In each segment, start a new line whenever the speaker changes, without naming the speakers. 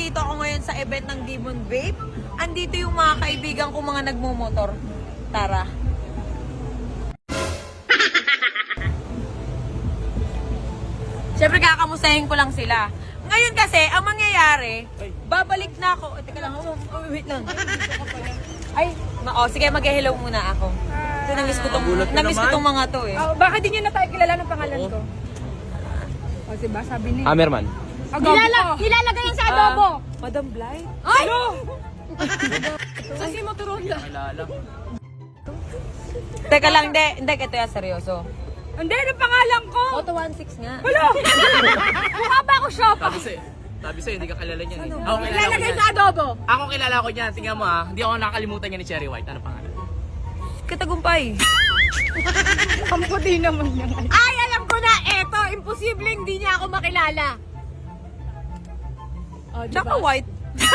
nandito ako ngayon sa event ng Demon Vape. Andito yung mga kaibigan ko mga nagmumotor. Tara. Siyempre kakamustahin ko lang sila. Ngayon kasi, ang mangyayari, babalik na ako. Teka lang, wait lang. Ay, sige, mag-hello muna ako. So, namiss ko tong mga to eh.
Baka di nyo na tayo kilala ng pangalan ko. O, diba? Sabi niya.
Hammerman.
Ilalagay yan sa adobo.
Madam Blight?
Ay! Sa Simo Turonda.
Teka lang, hindi, ito yan, seryoso.
Hindi, ano pangalan ko?
Auto 16 nga.
Wala! Mukha ba ako shoppa?
Sabi sa'yo, hindi ka kilala niyan eh.
Ano?
Ako kilala ko
Ilalagay
niyan.
sa adobo.
Ako kilala ko niyan. Tingnan mo ah. Hindi ako nakakalimutan niya ni Cherry White. Ano pangalan?
Katagumpay.
Ang puti naman niya. Ay, alam ko na. Eto, imposible hindi niya ako makilala. Oh, diba?
Tsaka white.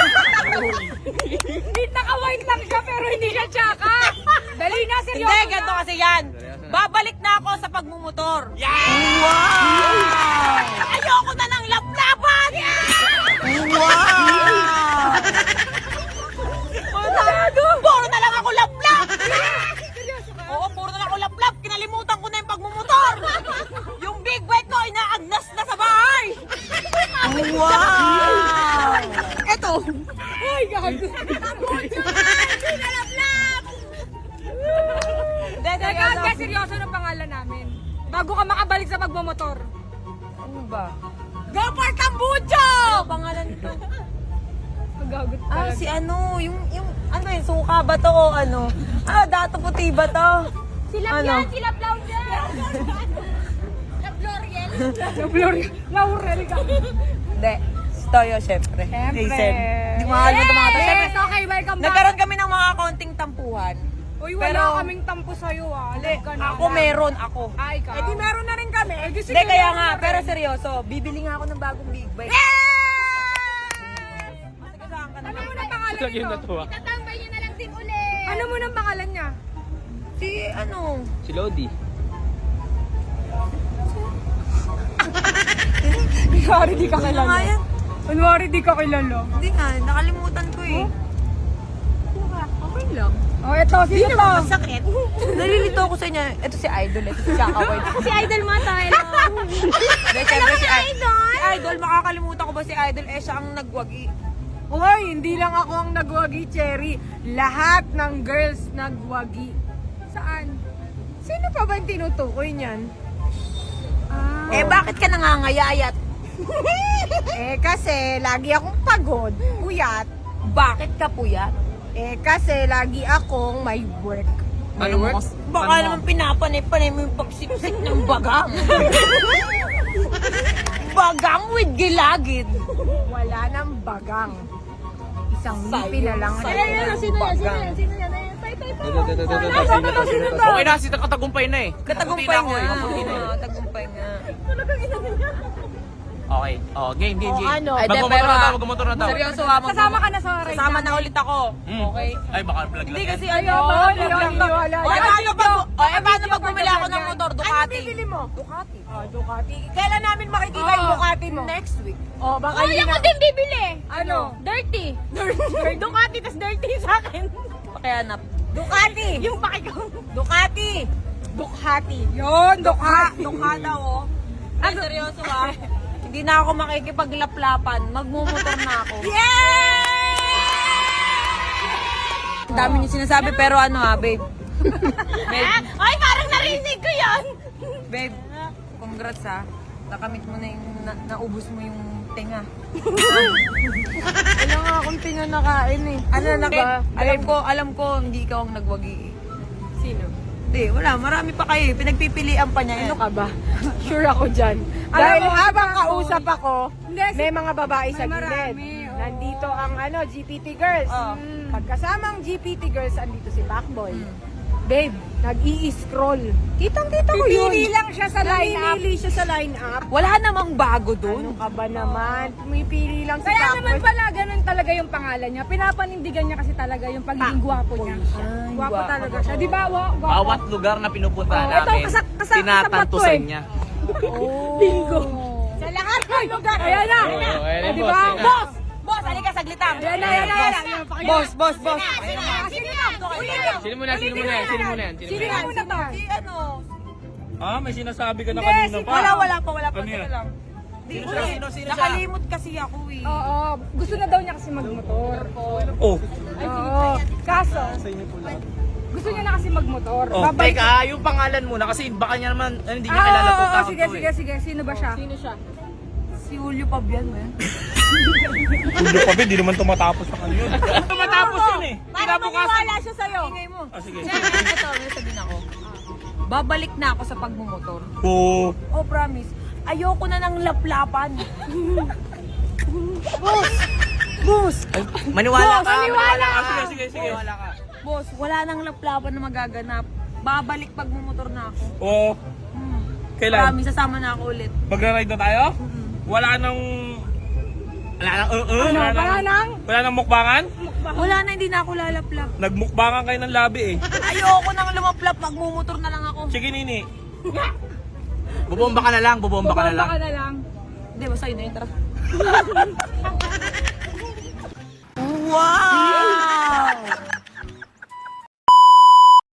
Hindi, naka-white lang siya pero hindi siya tsaka. Dali na, seryoso
Hindi,
na.
ganito kasi yan. Babalik na ako sa pagmumotor.
Yeah!
Wow! Ayoko na ng laplapan! Wow! Puro na lang ako laplap!
Seryoso ka?
Oo, puro na lang ako laplap. Kinalimutan ko na yung pagmumotor. Yung big bike ko, inaagnas na sa bahay. Wow! Eto.
Ay, gago. Hindi na laplap. Teka, seryoso ng pangalan namin. Bago ka makabalik sa pagmamotor.
Ano ba?
Go for Tambucho!
Ano pangalan nito?
Magagot
Si ano, yung ano yun, suka ba to o ano? Dato puti ba to?
Sila
Ano?
yan, sila Plaud yan. La Floriel. La Floriel. Laurel ka.
Hindi. Toyo, syempre.
Siyempre.
Jason. Hindi ko makakalimutan mga to. Syempre,
Yes, okay, welcome back.
nagkaroon kami ng mga konting tampuhan.
Uy,
Pero-
wala kaming tampo sa'yo ah. Alam ka na.
Ako meron, ako.
Ay, ka. Eh di meron na rin kami. Eh di sige.
Hindi, kaya
meron
nga,
na rin.
pero seryoso, bibili nga ako ng bagong big bike. Matigasaan ka na.
Ano mo na pangalan
Lagi
nito?
na to ah.
Itatambay niyo na lang din ulit. Ano mo nang pangalan niya?
Si ano?
Si Lodi.
Kunwari di ka
Ano nga
kilala.
yan?
Kunwari di ka kilala.
Hindi nga, nakalimutan ko eh.
Okay lang. Oh, eto, sino to?
Masakit. Nalilito ako sa inyo. Ito si Idol, ito si Chaka White.
Si Idol mo to, hello.
Hindi, syempre si
Idol?
Si Idol, makakalimutan ko ba si Idol? Siya ang nagwagi.
Hoy, hindi lang ako ang nagwagi, Cherry. Lahat ng girls nagwagi. Saan? Sino pa ba yung tinutukoy niyan?
Bakit ka nangangayayat?
Kasi lagi akong pagod, puyat.
Bakit ka puyat?
Kasi lagi akong may work.
Ano work?
Baka naman pinapanay-panay mo yung pagsipsip ng bagang. Bagang with gilagid.
Wala nang bagang. Isang ngipin na lang.
Sino yan?
Sino yan?
Okay na, si Katagumpay na eh.
Katagumpay
Maputi na ako
nga.
eh, maputi na eh.
Oo, tagumpay nga.
Okay. Game.
ano?
Ay,
Magmumotor
pero,
na daw, magmumotor na daw.
Seryoso
Sasama ka na sa ride.
Sasama na ulit ako.
Mm.
Okay?
Ay, baka vlog
Hindi
lang
kasi
yan.
ano,
Wala.
paano pag bumili ako ng motor?
Ano
Ducati.
bibili mo?
Ducati.
Ducati. Kailan namin makikita yung Ducati mo?
Next week.
Baka hindi na.
din bibili.
Ano?
Dirty.
Ducati, tas dirty sa akin.
Pakihanap.
Ducati.
Yung pakikaw.
Ducati.
Ducati. Yun, Ducati.
Dukha daw, oh. Ay, seryoso ah. Hindi na ako makikipaglaplapan. Magmumotor na ako. Ang dami niyo sinasabi, pero ano babe? Babe,
Ay, parang narinig ko yan.
babe, congrats nakamit mo na yung, naubos mo yung tinga.
Wala nga akong tinanakain eh.
Ano na ba? Alam ko, hindi ikaw ang nagwagi.
Sino?
Hindi, wala. Marami pa kayo. Pinagpipilian pa niya yan.
Ano ka ba? Sure ako dyan. Dahil habang kausap ako, may mga babae sa gilid. Nandito ang GPT Girls.
Oh.
Pagkasamang GPT Girls, andito si Backboy. Babe, nag-i-scroll. Kitang-kita ko yun. Pipili lang siya sa line-up. Pipili siya sa line-up.
Wala namang bago dun.
Ano ka ba naman? Pumipili lang si
Kaya
Backboy.
naman pala, ganun talaga yung pangalan niya. Pinapanindigan niya kasi talaga yung pagiging gwapo niya.
Ay,
Gwapo
gwapo.
talaga siya. Di ba? Gwapo.
Bawat lugar na pinupuntahan
Oh, ito,
namin,
kasapat
tinatantusan
to eh.
niya.
Oh.
Bingo.
Sa lahat ng lugar.
Ayan na.
Oh, ayan,
Di
boss,
ba?
ayan.
Boss! Boss, halika
lang.
Yan na, yan na, yan na.
Boss, boss, boss.
Sino na?
Sino muna yan? Sino muna yan? Sino muna yan?
Sino na muna to?
Si ano?
Ah, may sinasabi ka na
Hindi,
kanina
si-
pa.
Wala pa.
Ano
Teka
yan?
lang.
Sino siya?
Nakalimot kasi ako eh.
Oo, gusto na daw niya kasi magmotor.
Oh,
Oo. Kaso, gusto niya na kasi magmotor.
Oh,
Babalik.
Teka, yung pangalan muna kasi baka niya naman, hindi niya kilala
Oo,
tong tao
sige,
to
sige,
eh.
sige. Sino ba siya? Sino siya?
Si Julio Pabian mo yan.
Julio pa ba? Di naman tumatapos sa kanya yun. Tumatapos yun eh.
Para maniwala siya sa'yo. Ingay mo.
Ah, sige.
Ito, may sabihin ako. Babalik na ako sa pagmumotor.
Oh,
Oh, promise. Ayoko na ng laplapan. Boss! Boss!
Maniwala ka,
Maniwala
ka.
sige, sige, sige.
Maniwala ka.
Boss, wala nang laplapan na magaganap. Babalik pagmumotor na ako.
oh.
Hmm.
Kailan?
Promise, sasama na ako ulit.
Magra-ride na tayo? Wala nang...
Wala nang
Wala nang mukbangan?
Wala na, hindi na ako lalaplap.
Nagmukbangan kayo ng labi eh.
Ayoko nang lumaplap, magmumotor na lang ako.
Sige, Nini.
Bubomba ka na lang, bubomba ka na lang.
Baka na lang.
Hindi, basta yun na yun, tara.